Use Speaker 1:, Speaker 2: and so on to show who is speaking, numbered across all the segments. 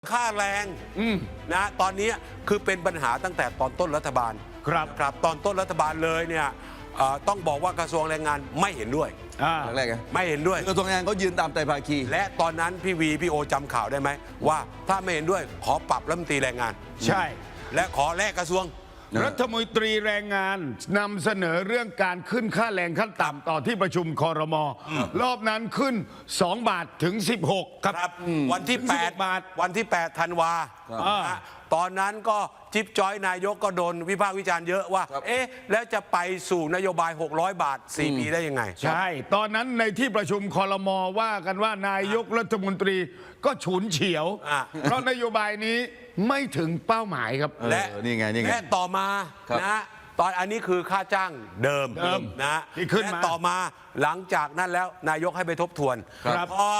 Speaker 1: ค่าแรงนะตอนนี้คือเป็นปัญหาตั้งแต่ตอนต้นรัฐบาลครับตอนต้นรัฐบาลเลยเนี่ยต้องบอกว่ากระทรวงแรงงานไม่เห็นด้วย
Speaker 2: แรก
Speaker 1: ไม่เห็นด้วย
Speaker 2: กระทรวงแรงงานเขายืนตามไตรภาคี
Speaker 1: และตอนนั้นพี่วีพี่โอจำข่าวได้ไหมว่าถ้าไม่เห็นด้วยขอปรับรัฐมนตรีแรงงาน
Speaker 3: ใช่
Speaker 1: และขอแลกกระทรวง
Speaker 3: รัฐมนตรีแรงงานนำเสนอเรื่องการขึ้นค่าแรงขั้นต่ำต่อที่ประชุมครม.รอบนั้นขึ้น2 บาทถึง16
Speaker 1: ครับวันที่8 บาทวันที่8 ธันวาตอนนั้นก็จิ๊บจ้อยนายกก็โดนวิพากษ์วิจารณ์เยอะว่าเอ๊ะแล้วจะไปสู่นโยบาย600 บาท4 ปีได้ยังไง
Speaker 3: ใช่ตอนนั้นในที่ประชุมครม.ว่ากันว่านายกรัฐมนตรีก็ฉุนเฉียวเพราะนโยบายนี้ไม่ถึงเป้าหมายครับ
Speaker 1: และนี่ไงและต่อมานะตอนอันนี้คือค่าจ้างเดิมนะ
Speaker 3: ที่ขึ้นมา
Speaker 1: ต่อมาหลังจากนั้นแล้วนายกให้ไปทบทวนพอ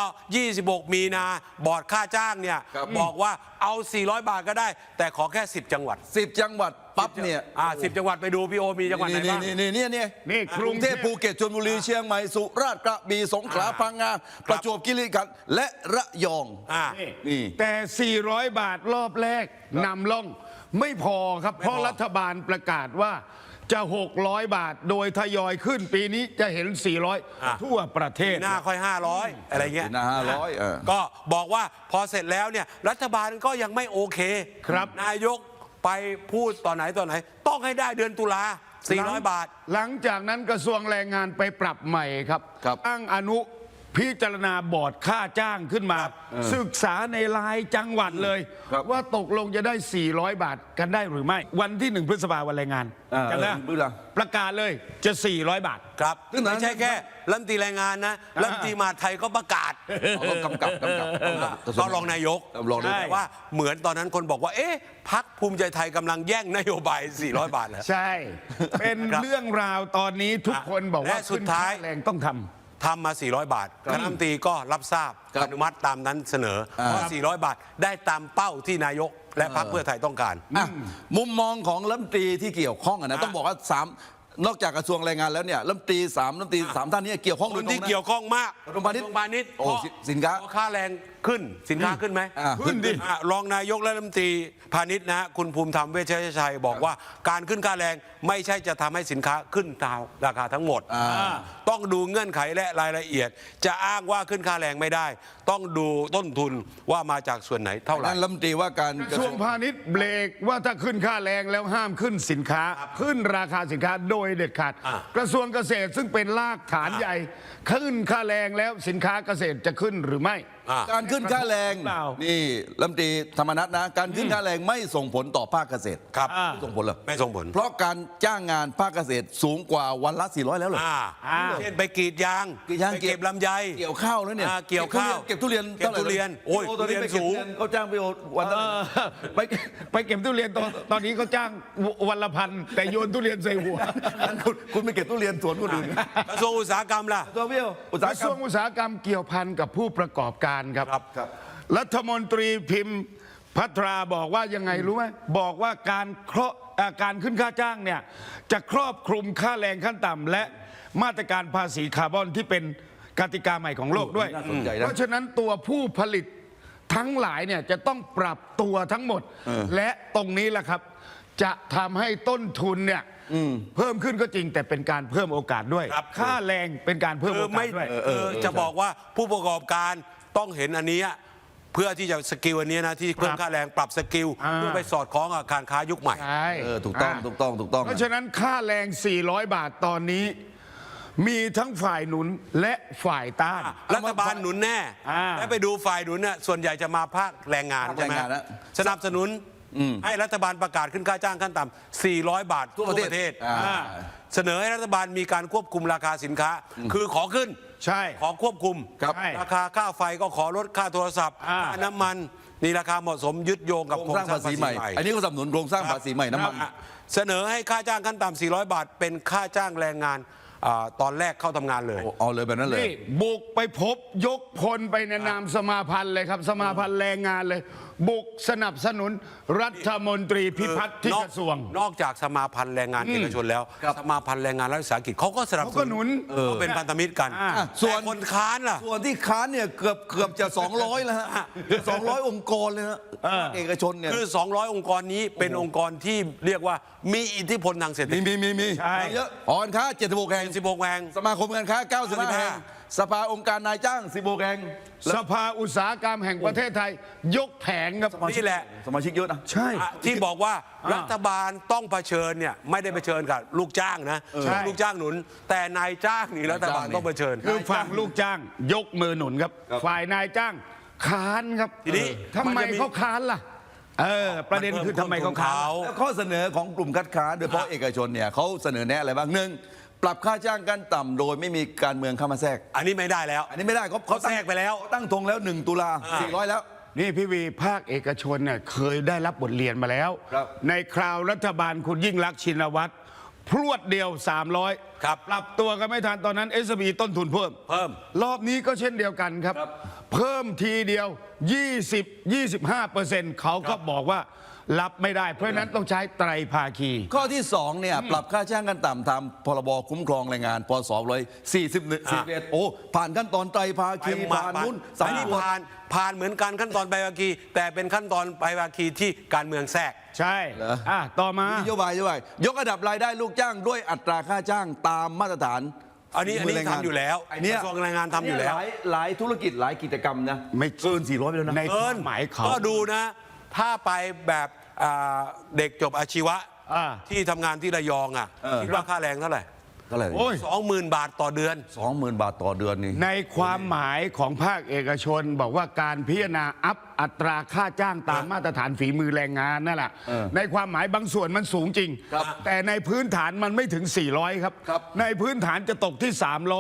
Speaker 1: 26 มีนาบอร์ดค่าจ้างเนี่ยบอกว่าเอา400 บาทก็ได้แต่ขอแค่10 จังหวัด
Speaker 2: 10 จังหวัดปั๊บเนี่ย
Speaker 1: 10 จังหวัดไปดูพี่โอมีจังหวัดไหนบ้าง
Speaker 2: นี่กรุงเทพภูเก็ตชลบุรีเชียงใหม่สุราษฎร์กระบี่สงขลาพังงาประจวบคีรีขันธ์และระยอง
Speaker 3: นี่แต่400 บาทรอบแรกนำล่องไม่พอครับเพราะรัฐบาลประกาศว่าจะ600 บาทโดยทยอยขึ้นปีนี้จะเห็น400ทั่วประเทศ
Speaker 1: หน้าค่อย500อะไรเงี้ย
Speaker 2: หน้า500
Speaker 1: ก็บอกว่าพอเสร็จแล้วเนี่ยรัฐบาลก็ยังไม่โอเค
Speaker 3: ครับ
Speaker 1: นายกไปพูดตอนไหนต้องให้ได้เดือนตุลา400 บาท
Speaker 3: หลังจากนั้นกระทรวงแรงงานไปปรับใหม่ครับตั้งอนุพิจารณาบอร์ดค่าจ้างขึ้นมาศึกษาในรายจังหวัดเลยว่าตกลงจะได้400 บาทกันได้หรือไม่วันที่1 พฤษภาคมวันแรงงานกันแล้วประกาศเลยจะ400 บาท
Speaker 1: ครับไม่ใช่แค่รัฐมนตรีแรงงานนะรัฐมนตรีมหาดไทยก็ประกาศ
Speaker 2: กำกับ
Speaker 1: ก็รองนายกแต่ว่าเหมือนตอนนั้นคนบอกว่าเอ๊ะพรรคภูมิใจไทยกำลังแย่งนโยบาย400 บาทแล้ว
Speaker 3: ใช่เป็นเรื่องราวตอนนี้ทุกคนบอกว่า
Speaker 1: สุดท้าย
Speaker 3: แรงต้องทำ
Speaker 1: มา400 บาทคณะรัฐมนตรีก็รับทราบอนุมัติตามนั้นเสนอว่า400 บาทได้ตามเป้าที่นายกและพรรคเพื่อไทยต้องการ
Speaker 2: มุมมองของรัฐมนตรีที่เกี่ยวข้องนะต้องบอกว่านอกจากกระทรวงแรงงานแล้วเนี่ยรัฐมนตรี3 ท่านนี้เกี่ยวข้อง
Speaker 1: คนที่เกี่ยวข้องมาก
Speaker 2: กระทรวงพาณิชย์สินค้า
Speaker 1: ค่าแรงขึ้นสินค้าขึ้นไหม
Speaker 3: ขึ้นดิ
Speaker 1: รองนายกและรัฐมนตรีพาณิชย์นะคุณภูมิธรรมเวชชัยบอกว่าการขึ้นค่าแรงไม่ใช่จะทำให้สินค้าขึ้นตามราคาทั้งหมดต้องดูเงื่อนไขและรายละเอียดจะอ้างว่าขึ้นค่าแรงไม่ได้ต้องดูต้นทุนว่ามาจากส่วนไหนเท่าไหร่
Speaker 2: รัฐมนตรีว่าการ
Speaker 3: กระทรวงพาณิชย์เบรกว่าถ้าขึ้นค่าแรงแล้วห้ามขึ้นสินค้าขึ้นราคาสินค้าโดยเด็ดขาดกระทรวงเกษตรซึ่งเป็นรากฐานใหญ่ขึ้นค่าแรงแล้วสินค้าเกษตรจะขึ้นหรือไม่
Speaker 2: การขึ้นค่าแรงนี่รัฐมนตรีธรรมนัสนะการขึ้นค่าแรงไม่ส่งผลต่อภาคเกษตร
Speaker 1: ครับ
Speaker 2: ไม่ส่งผลหรอ
Speaker 1: ไม่ส่งผล
Speaker 2: เพราะการจ้างงานภาคเกษตรสูงกว่าวันละ400แล้วเหรอ
Speaker 1: เช่นไปกรีดยางเก็บลำไย
Speaker 2: เกี่ยวข้าวแล้วเนี่ย
Speaker 1: เกี่ยวข้าว
Speaker 2: เก็บทุเรียน
Speaker 1: โอ้ยทุเรียนสูง
Speaker 2: เขาจ้างไปวันละ
Speaker 3: ไปเก็บทุเรียนตอนนี้เขาจ้างวันละ1,000แต่โยนทุเรียนใส่หัว
Speaker 2: คุณไปเก็บทุเรียนสวนคนอื่น
Speaker 1: กระทรวงอุตสาหกรรมล่ะ
Speaker 3: กระทรวงอุตสาหกรรมเกี่ยวพันกับผู้ประกอบการครับรัฐมนตรีพิมพ์ภัทราบอกว่ายังไงรู้ไหมบอกว่าการขึ้นค่าจ้างเนี่ยจะครอบคลุมค่าแรงขั้นต่ำและมาตรการภาษีคาร์บอนที่เป็นกติกาใหม่ของโลกด้วยเพราะฉะนั้นตัวผู้ผลิตทั้งหลายเนี่ยจะต้องปรับตัวทั้งหมดและตรงนี้แหละครับจะทำให้ต้นทุนเนี่ยเพิ่มขึ้นก็จริงแต่เป็นการเพิ่มโอกาสด้วยค่าแรงเป็นการเพิ่มโอกาสด้วย
Speaker 1: จะบอกว่าผู้ประกอบการต้องเห็นอันนี้เพื่อที่จะสกิลอันนี้นะที่เพิ่มค่าแรงปรับสกิลเพื่อไปสอดคล้องกับการค้ายุคใหม่
Speaker 2: ถูกต้อง
Speaker 3: เพราะฉะนั้นค่าแรง400 บาทตอนนี้มีทั้งฝ่ายหนุนและฝ่ายต้าน
Speaker 1: รัฐบาลหนุนแน่และไปดูฝ่ายหนุนเนี่ยส่วนใหญ่จะมาภาคแรงงานใช่ไหมสนับสนุนให้รัฐบาลประกาศขึ้นค่าจ้างขั้นต่ำ400 บาททั่วประเทศเสนอให้รัฐบาลมีการควบคุมราคาสินค้าคือขอขึ้น
Speaker 3: ใช่
Speaker 1: ขอควบคุมราคาค่าไฟก็ขอลดค่าโทรศัพท์ค่าน้ำมันนี่ราคาเหมาะสมยึดโยงกับโครงสร้างภาษีใหม่
Speaker 2: อันนี้ก็สนับสนุนโครงสร้างภาษีใหม่น้ำมัน
Speaker 1: เสนอให้ค่าจ้างขั้นต่ำ400 บาทเป็นค่าจ้างแรงงานตอนแรกเข้าทำงานเลย
Speaker 2: เอาเลยแบบนั้นเลย
Speaker 3: บุกไปพบยกพลไปในนามสมาพันธ์เลยครับสมาพันธ์แรงงานเลยบุกสนับสนุนรัฐมนตรีพิพัฒน์ที่กระทรวง
Speaker 1: นอกจากสมาพันธ์แรงงานเอกชนแล้ว สมาพันธ์แรงงานรัฐวิสาหกิจเขาก็สนับส
Speaker 3: เขาก็หนุ
Speaker 1: นุ
Speaker 3: น
Speaker 1: เขาเป็นพันธมิตรกัน
Speaker 2: ส่วน
Speaker 1: แต่คนค้านล่ะ
Speaker 2: ส่วนที่ค้านเนี่ยเกือบจะ 200แล้วฮะ200 องค์กรเลยฮะเอกชนเนี่ย
Speaker 1: คือ 200 องค์กรนี้เป็นองค์กรที่เรียกว่ามีอิทธิพลทางเศรษฐกิจ
Speaker 2: มี
Speaker 3: ใช่
Speaker 2: เยอะหอการค้า76 แห่ง
Speaker 1: 16 แห่ง
Speaker 2: สมาคมการค้า95 แห่งสภาองค์การนายจ้าง16 แห่ง
Speaker 3: สภาอุตสาหกรรมแห่งประเทศไทย ยกแผงครับ
Speaker 1: นี่แหละ
Speaker 2: สมาชิกเยอะนะ
Speaker 3: ใช่
Speaker 1: ที่บอกว่ารัฐบาลต้องเผชิญเนี่ยไม่ได้เผชิญกับลูกจ้างนะ
Speaker 3: ใช่
Speaker 1: ลูกจ้างหนุน แต่นายจ้างนี่รัฐบาลต้องเผชิญ
Speaker 3: คือฝั่งลูกจ้างยกมือหนุนครับ ฝ่ายนายจ้างค้านครับ
Speaker 1: ทีนี้
Speaker 3: ทำไม
Speaker 1: มันจะมี
Speaker 3: เขาค้านล่ะประเด็นคือทำไมเขาค้าน
Speaker 2: แล้วข้อเสนอของกลุ่มคัดค้านโดยเฉพาะเอกชนเนี่ยเขาเสนอแนะอะไรบ้างหนึ่งปรับค่าจ้างขั้นต่ำโดยไม่มีการเมืองเข้ามาแทรก
Speaker 1: อันนี้ไม่ได้แล้ว
Speaker 2: อันนี้ไม่ได้เขา
Speaker 1: แทรกไปแล้ว
Speaker 2: เขาตั้งธงแล้ว1 ตุลา400 แล้ว
Speaker 3: นี่พี่วีภาคเอกชนเนี่ยเคยได้รับบทเรียนมาแล้ว
Speaker 2: ครับ
Speaker 3: ในคราวรัฐบาลคุณยิ่งลักษณ์ชินวัตรพรวดเดียว 300
Speaker 1: ครับ
Speaker 3: ปรับตัวกันไม่ทันตอนนั้น SB ต้นทุนเพิ่ม รอบนี้ก็เช่นเดียวกันครับ เพิ่มทีเดียว 20-25%เขาก็บอกว่ารับไม่ได้ เพราะฉะนั้นต้องใช้ไตรภาคี
Speaker 2: ข้อที่2เนี่ยปรับค่าจ้างขั้นต่ำตามพรบคุ้มครองแรงงานพศ41โอ้ผ่านขั้นตอนไตรภาคีผ่านนู้น
Speaker 1: อันนี้ผ่านเหมือนกันขั้นตอนไปภาคี แต่เป็นขั้นตอนไปภาคีที่การเมืองแทรก
Speaker 3: ใช่ต่อมา
Speaker 2: นโยบายยกระดับรายได้ลูกจ้างด้วยอัตราค่าจ้างตามมาตรฐาน
Speaker 1: อันนี้ทำอยู่แล้ว
Speaker 2: ไอ้เนี่ย
Speaker 1: กระทรวงแรงงานทำอยู่แล้ว
Speaker 2: หลายธุรกิจหลายกิจกรรมนะ
Speaker 3: ไม่
Speaker 2: เกิน400ไปแล้วนะ
Speaker 3: ในความหมายเขา
Speaker 1: ก็ดูนะ ถ้าไปแบบเด็กจบอาชีวะ ที่ทำงานที่ระยองคิดว่าค่าแรงเท่าไหร่
Speaker 2: เท่าไหร่
Speaker 3: โอ้ย
Speaker 1: 20,000 บาทต่อเดือน
Speaker 2: 20,000 บาทต่อเดือนนี่
Speaker 3: ในความหมายของภาคเอกชนบอกว่าการพิจารณาอัพอัตราค่าจ้างตามมาตรฐานฝีมือแรงงานนั่นแหละในความหมายบางส่วนมันสูงจริง แต่ในพื้นฐานมันไม่ถึง 400 ครับ ในพื้นฐานจะตกที่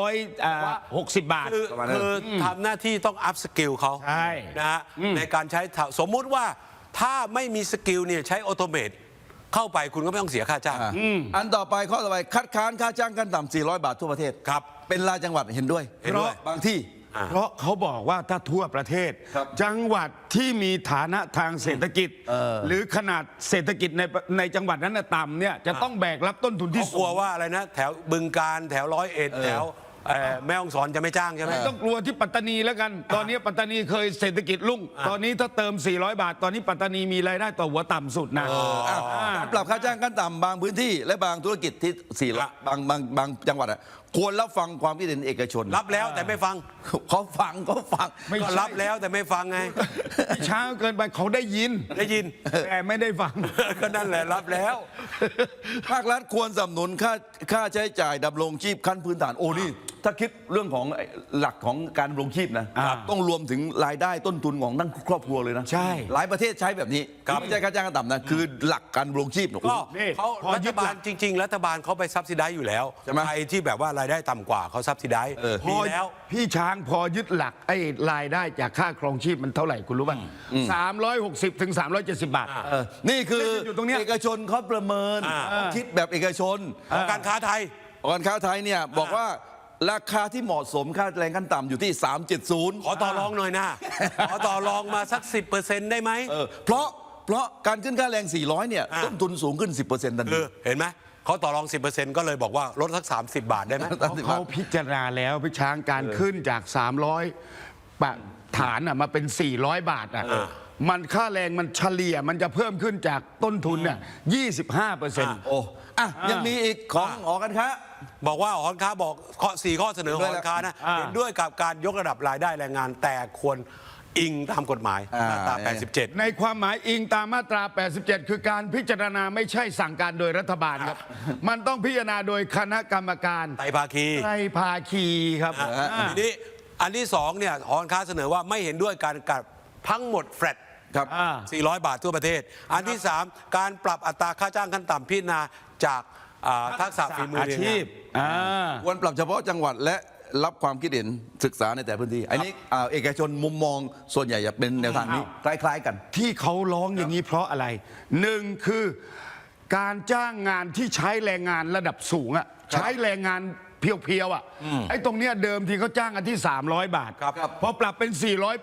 Speaker 3: 360 บาท
Speaker 1: คือทำหน้าที่ต้องอัพสกิลเขา
Speaker 3: ใช่
Speaker 1: นะฮะในการใช้สมมุติว่าถ้าไม่มีสกิลเนี่ยใช้ออโตเมตเข้าไปคุณก็ไม่ต้องเสียค่าจ้าง
Speaker 2: อันต่อไปข้อต่อไปคัดค้านค่าจ้างขั้นต่ำ400 บาททั่วประเทศ
Speaker 1: ครับ
Speaker 2: เป็นรายจังหวัดเห็นด้วย
Speaker 1: เห็นด้วย
Speaker 2: บางที่
Speaker 3: เพราะเขาบอกว่าถ้าทั่วประเทศ
Speaker 2: ครับ
Speaker 3: จังหวัดที่มีฐานะทางเศรษฐกิจ หรือขนาดเศรษฐกิจในจังหวัดนั้นน่ะต่ำเนี่ยจะต้องแบกรับต้นทุนที่
Speaker 1: เขาก
Speaker 3: สู
Speaker 1: ลัว
Speaker 3: ง
Speaker 1: ว่าอะไรนะ แถวบึงการแถว101แถวแม่ฮ่องสอนจะไม่จ้างใช่ไหม
Speaker 3: ต้องกลัวที่ปัตตานีแล้วกัน ตอนนี้ปัตตานีเคยเศรษฐกิจรุ่ง ตอนนี้ถ้าเติม 400 บาท ตอนนี้ปัตตานีมีรายได้ต่อหัวต่ำสุดนะ
Speaker 2: การปรับค่าจ้างขั้นต่ำบางพื้นที่และบางธุรกิจที่400บางจังหวัดควรรับฟังความคิดเห็นเอกชน
Speaker 1: รับแล้วแต่ไม่ฟัง
Speaker 2: เขาฟัง
Speaker 3: ไม่
Speaker 1: ก็
Speaker 3: ใช่
Speaker 1: รับแล้วแต่ไม่ฟังไง
Speaker 3: ช้าเกินไปเขาได้ยิน
Speaker 1: ได้ยิน
Speaker 3: แต่ไม่ได้ฟัง
Speaker 1: ก็นั่นแหละรับแล้ว
Speaker 2: ภาครัฐควรสนับสนุนค่าใช้จ่ายดำรงชีพขั้นพื้นฐานโอ้นี่ถ้าคิดเรื่องของหลักของการดำรงชีพนะต้องรวมถึงรายได้ต้นทุนของทั้งครอบครัวเลยนะ
Speaker 3: ใช่
Speaker 2: หลายประเทศใช้แบบนี้
Speaker 1: ครับ
Speaker 2: ไม่ใช่ค่าจ้างขั้นต่ำนะคือหลักการดำรงชีพ
Speaker 1: ก็
Speaker 3: นี่
Speaker 1: เขา
Speaker 3: พอ
Speaker 1: รั
Speaker 3: ยึ
Speaker 1: ฐ
Speaker 3: ดหลั
Speaker 1: บาก ลจริง ๆ รัฐบาลเขาไปซับซิได้อยู่แล้ว
Speaker 2: ใช่ไหม
Speaker 1: ใครที่แบบว่ารายได้ต่ำกว่าเขาซับซิได้
Speaker 3: พ
Speaker 1: ดี
Speaker 3: อ
Speaker 1: แล้ว
Speaker 3: พี่ช้างพอยึดหลักไอ้รายได้จากค่าครองชีพมันเท่าไหร่คุณรู้ป่ะ360 ถึง 370 บาท
Speaker 2: นี่คือ
Speaker 3: อยู่ตรงเนี้ย
Speaker 2: เอกชนเขาประเมินเขาคิดแบบเอกชน
Speaker 1: การค้าไทย
Speaker 2: การค้าไทยเนี่ยบอกว่าราคาที่เหมาะสมค่าแรงขั้นต่ำอยู่ที่ 370
Speaker 1: ขอต่อรองหน่อยนะ ขอต่อรองมาสัก 10%ได้ไหม
Speaker 2: เพราะการขึ้นค่าแรง 400 เนี่ย ต้นทุนสูงขึ้น 10%ทันที
Speaker 1: เห็นไหมเขาต่อรอง 10%ก็เลยบอกว่าลดสัก 30 บาทได้ไหม
Speaker 3: เขาพิจารณาแล้วพี่ช้างการขึ้นจาก 300 บาทฐานมาเป็น 400 บาทมันค่าแรงมันเฉลี่ยมันจะเพิ่มขึ้นจากต้นทุนเนี่ย25%
Speaker 2: โอ้ยังมีอีกของหอการค้า
Speaker 1: บอกว่าหอการค้าบอก4 ข้อเสนอหอการค้านะเห็นด้วยกับการยกระดับรายได้แรงงานแต่ควรอิงตามกฎหมายมาตรา 87
Speaker 3: ในความหมายอิงตามมาตรา 87 คือการพิจารณาไม่ใช่สั่งการโดยรัฐบาลครับ มันต้องพิจารณาโดยคณะกรรมการ
Speaker 1: ไตรภาคี
Speaker 3: ไตรภาคีครับ
Speaker 1: ทีนี้อันที่2เนี่ยหอการค้าเสนอว่าไม่เห็นด้วยการกับทั้งหมดแฟลต
Speaker 2: ครับ
Speaker 1: 400 บาททั่วประเทศ อันที่ 3 การปรับอัตราค่าจ้างขั้นต่ำพิจารณาจากทักษะฝีมือ
Speaker 3: อา
Speaker 1: เรียน
Speaker 3: ชี
Speaker 1: งา
Speaker 3: พ
Speaker 1: น
Speaker 2: ควรปรับเฉพาะจังหวัดและรับความคิดเห็นศึกษาในแต่พื้นที่ อันนี้เอกชนมุมมองส่วนใหญ่จะเป็นแนวทางนี้คล้ายๆกัน
Speaker 3: ที่เขาร้องอย่างนี้เพราะอะไรหนึ่งคือการจ้างงานที่ใช้แรงงานระดับสูงใช้แรงงานเพียวๆไอ้ตรงเนี้ยเดิมที่เขาจ้างกันที่ 300 บาท
Speaker 1: ครับ
Speaker 3: พอปรับเป็น 400ปุ๊บ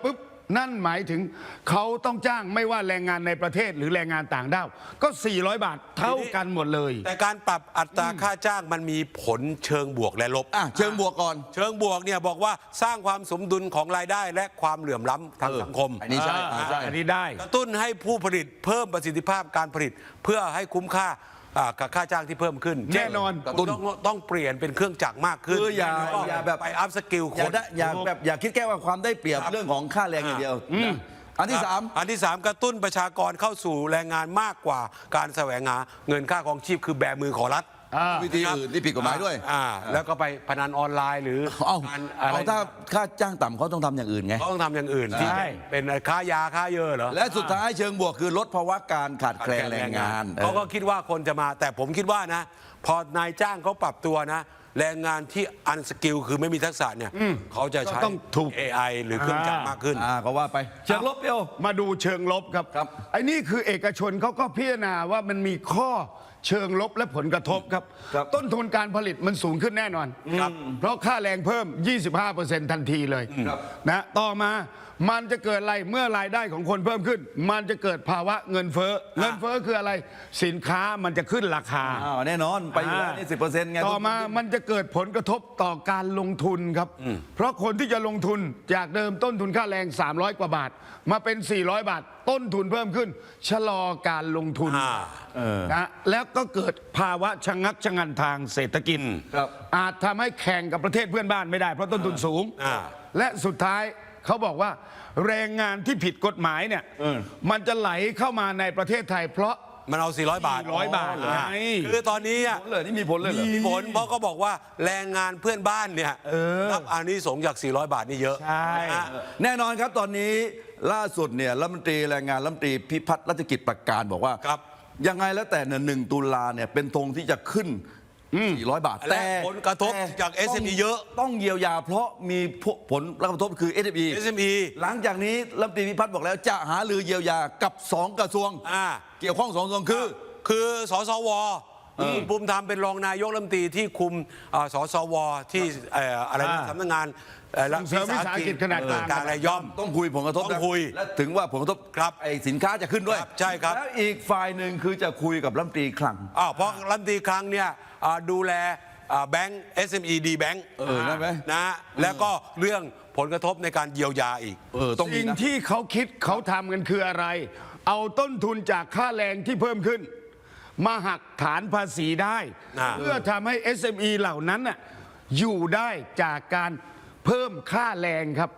Speaker 3: นั่นหมายถึงเขาต้องจ้างไม่ว่าแรงงานในประเทศหรือแรงงานต่างด้าวก็400 บาทเท่ากันหมดเลย
Speaker 1: แต่การปรับอัตราค่าจ้างมันมีผลเชิงบวกและลบ
Speaker 2: เชิงบวกก่อน
Speaker 1: เชิงบวกเนี่ยบอกว่าสร้างความสมดุลของรายได้และความเหลื่อมล้ำทางสังคม
Speaker 2: อันนี้ใช่ใช่
Speaker 3: อันนี้ได้
Speaker 1: กระตุ้นให้ผู้ผลิตเพิ่มประสิทธิภาพการผลิต เพื่อให้คุ้มค่ากับค่าจ้างที่เพิ่มขึ้น
Speaker 3: แน่นอน
Speaker 1: กระตุ้นต้องเปลี่ยนเป็นเครื่องจักรมากขึ้น
Speaker 2: คืออย่า
Speaker 1: แล้วก็
Speaker 2: แบบ
Speaker 1: ไปอัพสกิลค
Speaker 2: อย่าน ได้อย่าคิดแค่ว่าความได้เปรียบเรื่องของค่าแรงอย่างเดียวนะอันที่
Speaker 1: อันที่ 3 กระตุ้นประชากรเข้าสู่แรงงานมากกว่าการแสวงหาเงินค่าครองชีพคือแบมือขอรัฐ
Speaker 2: วิธีอื่นที่ผิดกฎหมายด้วย
Speaker 1: แล้วก็ไปพนันออนไลน์หรือ
Speaker 2: เอา
Speaker 1: การอะไร
Speaker 2: ถ้าค่าจ้างต่ำเขาต้องทำอย่างอื่นไง
Speaker 1: เขาต้องทำอย่างอื่นที่
Speaker 3: ใช่
Speaker 1: เป็นค้ายาค้าเยอะเหรอ
Speaker 2: และสุดท้ายเชิงบวกคือลดภาวะการขาดแคลนแรงงาน
Speaker 1: เขาก็คิดว่าคนจะมาแต่ผมคิดว่านะ พอนายจ้างเขาปรับตัวนะ แรงงานที่อันสกิลคือไม่มีทักษะเนี่ยเขาจะใช้
Speaker 3: ก็ต้องถูก
Speaker 1: AI หรือเครื่องจักรมากขึ้น
Speaker 2: ก็ว่าไปเชิงลบเดียว
Speaker 3: มาดูเชิงลบครับ
Speaker 2: ครับ
Speaker 3: ไอ้นี่คือเอกชนเขาก็พิจารณาว่ามันมีข้อเชิงลบและผลกระทบครับ
Speaker 2: ครับ
Speaker 3: ต้นทุนการผลิตมันสูงขึ้นแน่นอนเพราะค่าแรงเพิ่ม 25%ทันทีเลยนะต่อมามันจะเกิดอะไรเมื่อรายได้ของคนเพิ่มขึ้น มันจะเกิดภาวะเงินเฟ้อเงินเฟ้อคืออะไรสินค้ามันจะขึ้นราคา
Speaker 2: แน่นอนไปอยู่แล้วนี่10%ไง
Speaker 3: ต่อมามันจะเกิดผลกระทบต่อการลงทุนครับ เพราะคนที่จะลงทุนจากเดิมต้นทุนค่าแรง 300 กว่าบาท มาเป็น 400 บาท ต้นทุนเพิ่มขึ้น ชะลอการลงทุนนะแล้วก็เกิดภาวะชะงักชะงันทางเศรษฐกิจ
Speaker 2: ครับ
Speaker 3: อาจทำให้แข่งกับประเทศเพื่อนบ้านไม่ได้เพราะต้นทุนสูง และสุดท้ายเขาบอกว่าแรงงานที่ผิดกฎหมายเนี่ยมันจะไหลเข้ามาในประเทศไทย เพราะ
Speaker 1: มันเอา 400 บาท
Speaker 3: 400 บาทไง
Speaker 1: คือตอนนี้
Speaker 2: ผลเลยนี่มีผลเลยเหรอ
Speaker 1: มีผลเพราะเขาบอกว่าแรงงานเพื่อนบ้านเนี่ยรับอานิสงส์จาก 400 บาทนี่เยอะ
Speaker 3: ใช่
Speaker 1: นะฮะ
Speaker 2: แน่นอนครับตอนนี้ล่าสุดเนี่ยรัฐมนตรีแรงงานรัฐมนตรีพิพัฒน์รัชกิจประการบอกว่า
Speaker 1: ครับ
Speaker 2: ยังไงแล้วแต่เนี่ย1 ตุลาเนี่ยเป็นธงที่จะขึ้น 400 บาท
Speaker 1: และผลกระทบจาก SME เยอะ
Speaker 2: ต้องเยียวยาเพราะมีผลกระทบคือ SME
Speaker 1: SME
Speaker 2: หลังจากนี้รัฐมนตรีพิพัฒน์บอกแล้วจะหารือเยียวยากับ 2 กระทรวง เกี่ยวข้อง 2 กระทรวงคือ
Speaker 1: สสวคุณภูมิธรรมเป็นรองนายกรัฐมนตรีที่คุมสสวที่อะไรนะสำนักงาน
Speaker 3: ส่งเสริมวิสาหกิจขนาดกลาง
Speaker 1: การรายย่อม
Speaker 2: ต้องคุยผลกระทบ
Speaker 1: ต้องคุย
Speaker 2: และถึงว่าผลกระทบ
Speaker 1: ครับ
Speaker 2: ไอ้สินค้าจะขึ้นด้วย
Speaker 1: ครับใช่ครับ
Speaker 2: แล้วอีกฝ่ายหนึ่งคือจะคุยกับรัฐมนตรีคลัง
Speaker 1: เพราะรัฐมนตรีคลังเนี่ยดูแลแบงก์ SME D Bank
Speaker 2: ได้ไหม
Speaker 1: นะแล้วก็เรื่องผลกระทบในการเยียวยาอีก
Speaker 2: ต้องมี
Speaker 3: สิ่ง
Speaker 2: นะ
Speaker 3: ที่เขาคิดเขาทำกันคืออะไร เอาต้นทุนจากค่าแรงที่เพิ่มขึ้น มาหักฐานภาษีได้ เพื่อทำให้ SME เหล่านั้นน่ะอยู่ได้จากการเพิ่มค่าแรงครับ